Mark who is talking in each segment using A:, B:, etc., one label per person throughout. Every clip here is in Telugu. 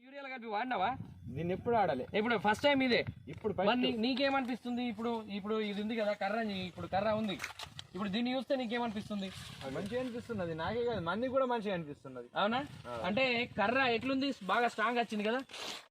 A: యూరియాలు కలిపి వాడినావా?
B: దీన్ని ఎప్పుడు ఆడాలి,
A: ఇప్పుడు ఫస్ట్ టైం ఇదే.
B: ఇప్పుడు
A: నీకేమనిపిస్తుంది? ఇప్పుడు ఇది ఉంది కదా కర్ర, ఇప్పుడు కర్ర ఉంది, ఇప్పుడు దీన్ని చూస్తే నీకేమనిపిస్తుంది?
B: మంచిగా అనిపిస్తున్నది, నాకే కాదు మంది కూడా మంచిగా అనిపిస్తున్నది.
A: అవునా? అంటే కర్ర ఎట్లుంది, బాగా స్ట్రాంగ్ వచ్చింది కదా.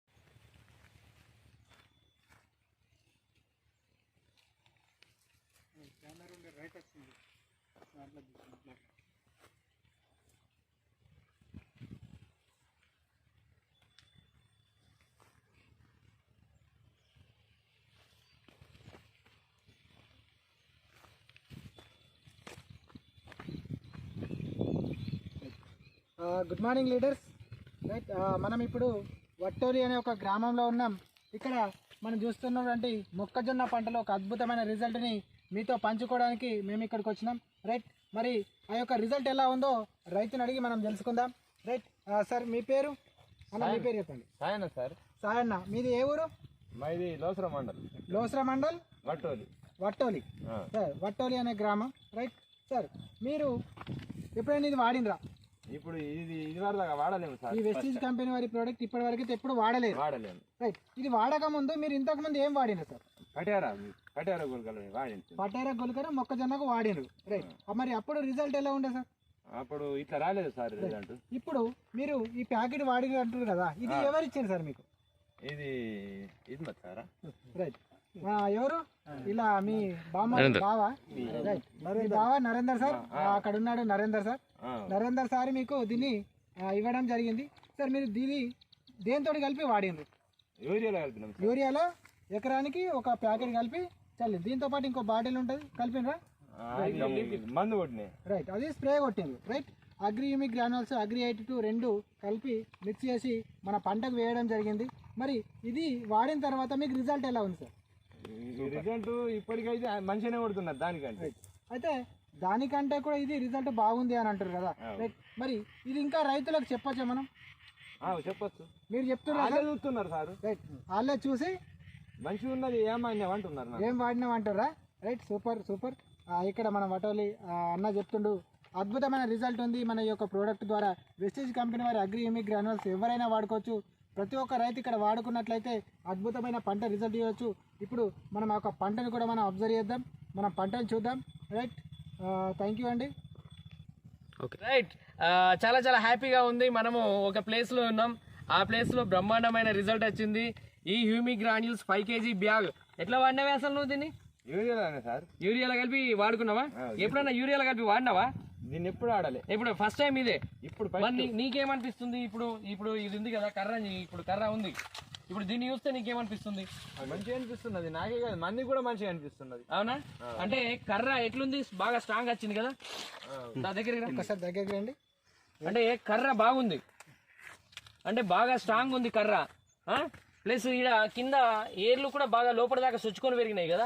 C: Good morning leaders. రైట్, మనం ఇప్పుడు వట్టోలి అనే ఒక గ్రామంలో ఉన్నాం. ఇక్కడ మనం చూస్తున్నటువంటి మొక్కజొన్న పంటలో ఒక అద్భుతమైన రిజల్ట్ని మీతో పంచుకోవడానికి మేము ఇక్కడికి వచ్చినాం. రైట్, మరి ఆ యొక్క రిజల్ట్ ఎలా ఉందో రైతుని అడిగి మనం తెలుసుకుందాం. రైట్ సార్, మీ పేరు అన్న, మీ పేరు చెప్పండి.
B: సాయన సార్.
C: సాయన్న, మీది ఏ ఊరు?
B: మాది లోసర మండల్.
C: లోసర మండల్,
B: వట్టోలి.
C: వట్టోలి సార్, వట్టోలి అనే గ్రామం. రైట్ సార్, మీరు ఎప్పుడైనా ఇది వాడినరా?
B: ఇప్పుడు ఇది వరకు వాడలేము సార్.
C: ఈ వెస్టీజ్ కంపెనీ వారి ప్రోడక్ట్ ఇప్పటి వరకు అయితే ఎప్పుడు వాడలేము. రైట్, ఇది వాడక ముందు మీరు ఇంతకు ముందు ఏం వాడినారు సార్?
B: పటేరా గుల్కలు వాడింది.
C: పటేరా గుల్కర మొక్కజొన్నకు వాడినారు. రైట్, మరి అప్పుడు రిజల్ట్ ఎలా ఉండే సార్?
B: అప్పుడు ఇట్లా రాలేదు సార్ రిజల్ట్.
C: ఇప్పుడు మీరు ఈ ప్యాకెట్ వాడి అంటారు కదా, ఇది ఎవరు ఇచ్చారు సార్ మీకు?
B: ఇది సారా?
C: రైట్, ఎవరు? ఇలా మీ బావ? రైట్, మీ బావ నరేందర్ సార్, అక్కడ ఉన్నాడు నరేందర్ సార్. నరేందర్ సార్ మీకు దీన్ని ఇవ్వడం జరిగింది. సార్, మీరు దీన్ని దేంతో కలిపి వాడినరు? యూరియాలో ఎకరానికి ఒక ప్యాకెట్ కలిపి చల్లి, దీంతో పాటు ఇంకో బాటిల్ ఉంటుంది, కలిపినరా?
B: మందు కొట్టినాయి.
C: రైట్, అది స్ప్రే కొట్టింది. Right, agri humic granules, agri 82 రెండు కలిపి మిక్స్ చేసి మన పంటకు వేయడం జరిగింది. మరి ఇది వాడిన తర్వాత మీకు రిజల్ట్ ఎలా ఉంది సార్?
B: రిజల్ట్ ఇప్పటికైతే మంచిగానే కొడుతున్నారు దానికంటే.
C: అయితే దానికంటే కూడా ఇది రిజల్ట్ బాగుంది అని అంటారు కదా. రైట్, మరి ఇది ఇంకా రైతులకు చెప్పచ్చా మనం?
B: చెప్పచ్చు.
C: మీరు చెప్తున్నారు,
B: చూస్తున్నారు సార్.
C: రైట్, వాళ్ళే చూసి
B: మంచిగా ఉన్నది ఏమంటున్నారు,
C: ఏం వాడినామంటారా? Right, super super. ఇక్కడ మన వటోలి అన్న చెప్తుండు అద్భుతమైన రిజల్ట్ ఉంది మన యొక్క ప్రోడక్ట్ ద్వారా. వెస్టీజ్ కంపెనీ వారి అగ్రి హ్యూమిక్ గ్రాన్యుల్స్ ఎవరైనా వాడుకోవచ్చు. ప్రతి ఒక్క రైతు ఇక్కడ వాడుకున్నట్లయితే అద్భుతమైన పంట రిజల్ట్ ఇవ్వచ్చు. ఇప్పుడు మనం ఆ యొక్క పంటను కూడా మనం అబ్జర్వ్ చేద్దాం, మనం పంటను చూద్దాం. రైట్, థ్యాంక్ యూ అండి.
A: ఓకే, రైట్, చాలా చాలా హ్యాపీగా ఉంది. మనము ఒక ప్లేస్లో ఉన్నాం, ఆ ప్లేస్లో బ్రహ్మాండమైన రిజల్ట్ వచ్చింది. ఈ హ్యూమిక్ గ్రాన్యూల్స్ 5 kg బ్యాగ్ ఎట్లా వాడినావే అసలు నువ్వు? దీన్ని యూరియాలో కలిపి వాడుకున్నావా? ఎప్పుడన్నా యూరియాలో కలిపి వాడినావా?
B: దీన్ని ఎప్పుడు ఆడాలి,
A: ఇప్పుడు ఫస్ట్ టైం ఇదే.
B: ఇప్పుడు
A: నీకేమనిపిస్తుంది? ఇప్పుడు ఇది ఉంది కదా కర్ర, ఇప్పుడు కర్ర ఉంది, ఇప్పుడు దీన్ని చూస్తే నీకేమనిపిస్తుంది?
B: మంచిగా అనిపిస్తున్నది, నాకే కాదు మంది కూడా మంచిగా అనిపిస్తున్నది.
A: అవునా? అంటే కర్ర ఎట్లుంది, బాగా స్ట్రాంగ్ వచ్చింది కదా.
C: ఒకసారి దగ్గరికి రండి.
A: అంటే కర్ర బాగుంది, అంటే బాగా స్ట్రాంగ్ ఉంది కర్ర. ప్లస్ ఇక్కడ కింద ఏర్లు కూడా బాగా లోపల దాకా సుచ్చుకొని పెరిగినాయి కదా.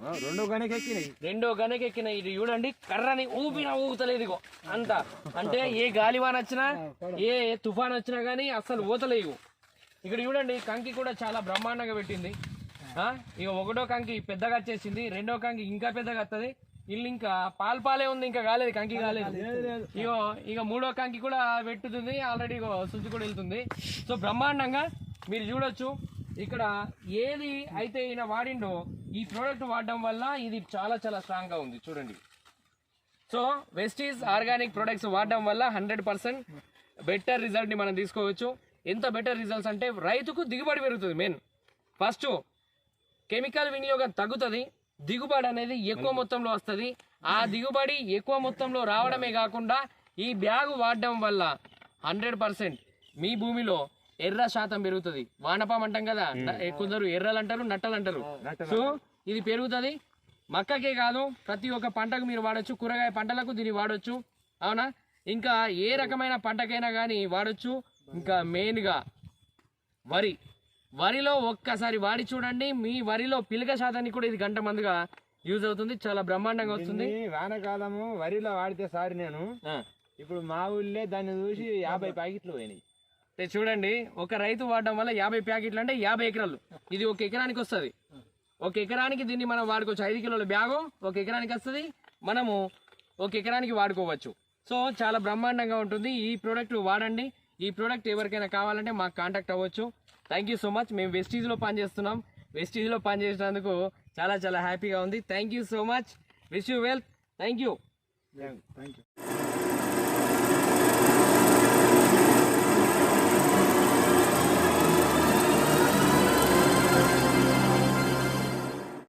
A: రెండో గనక ఎక్కినాయి. ఇది చూడండి, కర్రని ఊగుతలేదు ఇగో అంత. అంటే ఏ గాలివాన్ వచ్చినా, ఏ తుఫాన్ వచ్చినా కానీ అస్సలు ఊతలేవు. ఇక్కడ చూడండి, కంకి కూడా చాలా బ్రహ్మాండంగా పెట్టింది. ఇక ఒకటో కంకి పెద్దగా వచ్చేసింది, రెండో కంకి ఇంకా పెద్దగా వస్తుంది. ఇల్లు ఇంకా పాలే ఉంది, ఇంకా కాలేదు, కంకి కాలేదు. ఇక మూడో కంకి కూడా పెట్టుతుంది, ఆల్రెడీ సుజ్జు కూడా వెళ్తుంది. సో బ్రహ్మాండంగా మీరు చూడొచ్చు. ఇక్కడ ఏది అయితే ఈయన వాడిండో ఈ ప్రోడక్ట్ వాడడం వల్ల ఇది చాలా చాలా స్ట్రాంగ్ గా ఉంది చూడండి. సో వెస్టీజ్ ఆర్గానిక్ ప్రొడక్ట్స్ వాడడం వల్ల 100% బెటర్ రిజల్ట్ ని మనం తీసుకోవచ్చు. ఎంత బెటర్ రిజల్ట్స్ అంటే రైతుకు దిగుబడి పెరుగుతుంది. మెయిన్ ఫస్ట్ కెమికల్ వినియోగం తగ్గుతుంది, దిగుబడి అనేది ఎక్కువ మొత్తంలో వస్తుంది. ఆ దిగుబడి ఎక్కువ మొత్తంలో రావడమే కాకుండా ఈ బ్యాగ్ వాడడం వల్ల 100% మీ భూమిలో ఎర్ర శాతం పెరుగుతుంది. వానపాం అంటాం కదా, కొందరు ఎర్రలు అంటారు, నట్టలు అంటారు. సో ఇది పెరుగుతుంది. మక్కకే కాదు, ప్రతి ఒక్క పంటకు మీరు వాడచ్చు. కూరగాయ పంటలకు దీన్ని వాడచ్చు. అవునా? ఇంకా ఏ రకమైన పంటకైనా కానీ వాడచ్చు. ఇంకా మెయిన్గా వరిలో ఒక్కసారి వాడి చూడండి, మీ వరిలో పిలక శాతానికి కూడా ఇది గంట మందుగా యూజ్ అవుతుంది. చాలా బ్రహ్మాండంగా వస్తుంది.
B: వానకాలము వరిలో వాడితే సార్ నేను ఇప్పుడు మా ఊళ్ళే దాన్ని చూసి 50 ప్యాకెట్లు పోయినాయి.
A: చూడండి, ఒక రైతు వాడడం వల్ల 50 ప్యాకెట్లు అంటే 50 ఎకరాలు. ఇది ఒక ఎకరానికి వస్తుంది. ఒక ఎకరానికి దీన్ని మనం వాడుకోవచ్చు. 5 కిలోల బ్యాగు ఒక ఎకరానికి వస్తుంది. మనము ఒక ఎకరానికి వాడుకోవచ్చు. సో చాలా బ్రహ్మాండంగా ఉంటుంది. ఈ ప్రోడక్ట్ వాడండి. ఈ ప్రోడక్ట్ ఎవరికైనా కావాలంటే మాకు కాంటాక్ట్ అవ్వచ్చు. Thank you so much. మేము వెస్టీజ్లో పనిచేస్తున్నాం. వెస్టీజ్లో పనిచేసినందుకు చాలా చాలా హ్యాపీగా ఉంది. Thank you so much. Wish you well. Thank you.